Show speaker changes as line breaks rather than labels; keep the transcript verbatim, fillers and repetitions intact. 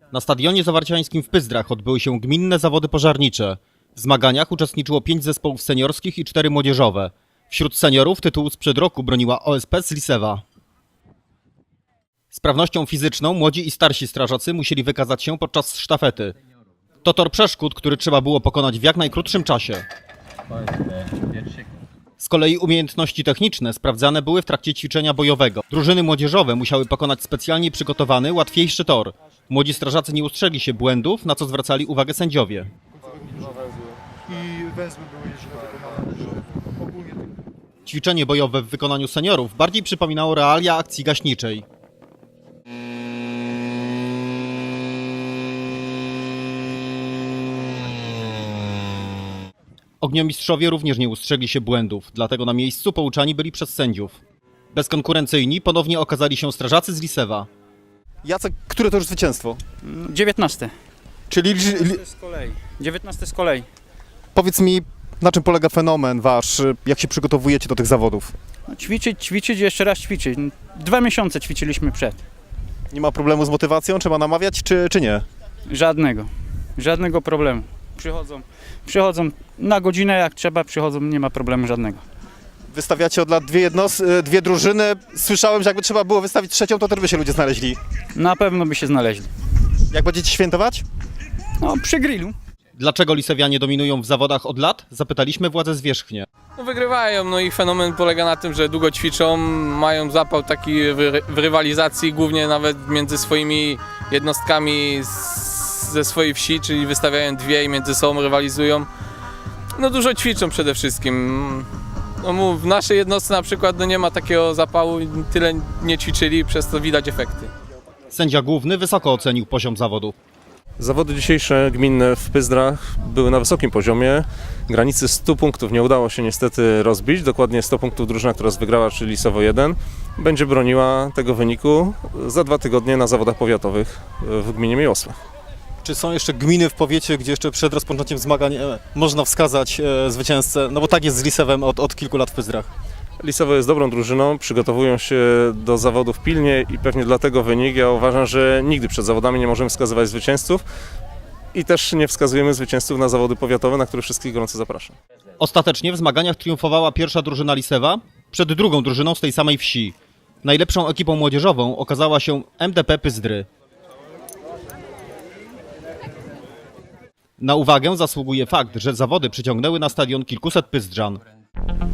Na stadionie zawarciańskim w Pyzdrach odbyły się gminne zawody pożarnicze. W zmaganiach uczestniczyło pięć zespołów seniorskich i cztery młodzieżowe. Wśród seniorów tytułu sprzed roku broniła O S P z Lisewa. Sprawnością fizyczną młodzi i starsi strażacy musieli wykazać się podczas sztafety. To tor przeszkód, który trzeba było pokonać w jak najkrótszym czasie. Z kolei umiejętności techniczne sprawdzane były w trakcie ćwiczenia bojowego. Drużyny młodzieżowe musiały pokonać specjalnie przygotowany, łatwiejszy tor. Młodzi strażacy nie ustrzegli się błędów, na co zwracali uwagę sędziowie.
I węzły były źle wykonane. Ogólnie...
Ćwiczenie bojowe w wykonaniu seniorów bardziej przypominało realia akcji gaśniczej. Ogniomistrzowie również nie ustrzegli się błędów, dlatego na miejscu pouczani byli przez sędziów. Bezkonkurencyjni ponownie okazali się strażacy z Lisewa.
Jacek, które to już zwycięstwo?
dziewiętnaste.
Czyli li, li,
Z kolei. dziewiętnaste z kolei.
powiedz mi, na czym polega fenomen wasz, jak się przygotowujecie do tych zawodów?
No, ćwiczyć, ćwiczyć, jeszcze raz ćwiczyć. Dwa miesiące ćwiczyliśmy przed.
Nie ma problemu z motywacją, trzeba namawiać, czy, czy nie?
Żadnego. Żadnego problemu. Przychodzą, przychodzą na godzinę, jak trzeba, przychodzą, nie ma problemu żadnego.
Wystawiacie od lat dwie, jednos, dwie drużyny. Słyszałem, że jakby trzeba było wystawić trzecią, to też by się ludzie znaleźli.
Na pewno by się znaleźli.
Jak będziecie świętować?
No, przy grillu.
Dlaczego Lisewianie dominują w zawodach od lat? Zapytaliśmy władze zwierzchnie.
No wygrywają, no ich fenomen polega na tym, że długo ćwiczą, mają zapał taki w, w rywalizacji, głównie nawet między swoimi jednostkami z, ze swojej wsi, czyli wystawiają dwie i między sobą rywalizują. No dużo ćwiczą przede wszystkim. No mów, w naszej jednostce na przykład no nie ma takiego zapału, tyle nie ćwiczyli, przez to widać efekty.
Sędzia główny wysoko ocenił poziom zawodów.
Zawody dzisiejsze gminne w Pyzdrach były na wysokim poziomie. Granicy stu punktów nie udało się niestety rozbić. Dokładnie sto punktów drużyna, która wygrała, czyli Lisowo jeden, będzie broniła tego wyniku za dwa tygodnie na zawodach powiatowych w gminie Miłosław.
Czy są jeszcze gminy w powiecie, gdzie jeszcze przed rozpoczęciem zmagań e, można wskazać e, zwycięzcę? No bo tak jest z Lisewem od, od kilku lat w Pyzdrach.
Lisowo jest dobrą drużyną, przygotowują się do zawodów pilnie i pewnie dlatego wynik. Ja uważam, że nigdy przed zawodami nie możemy wskazywać zwycięzców i też nie wskazujemy zwycięzców na zawody powiatowe, na które wszystkich gorąco zapraszam.
Ostatecznie w zmaganiach triumfowała pierwsza drużyna Lisewa przed drugą drużyną z tej samej wsi. Najlepszą ekipą młodzieżową okazała się M D P Pyzdry. Na uwagę zasługuje fakt, że zawody przyciągnęły na stadion kilkuset Pyzdrzan.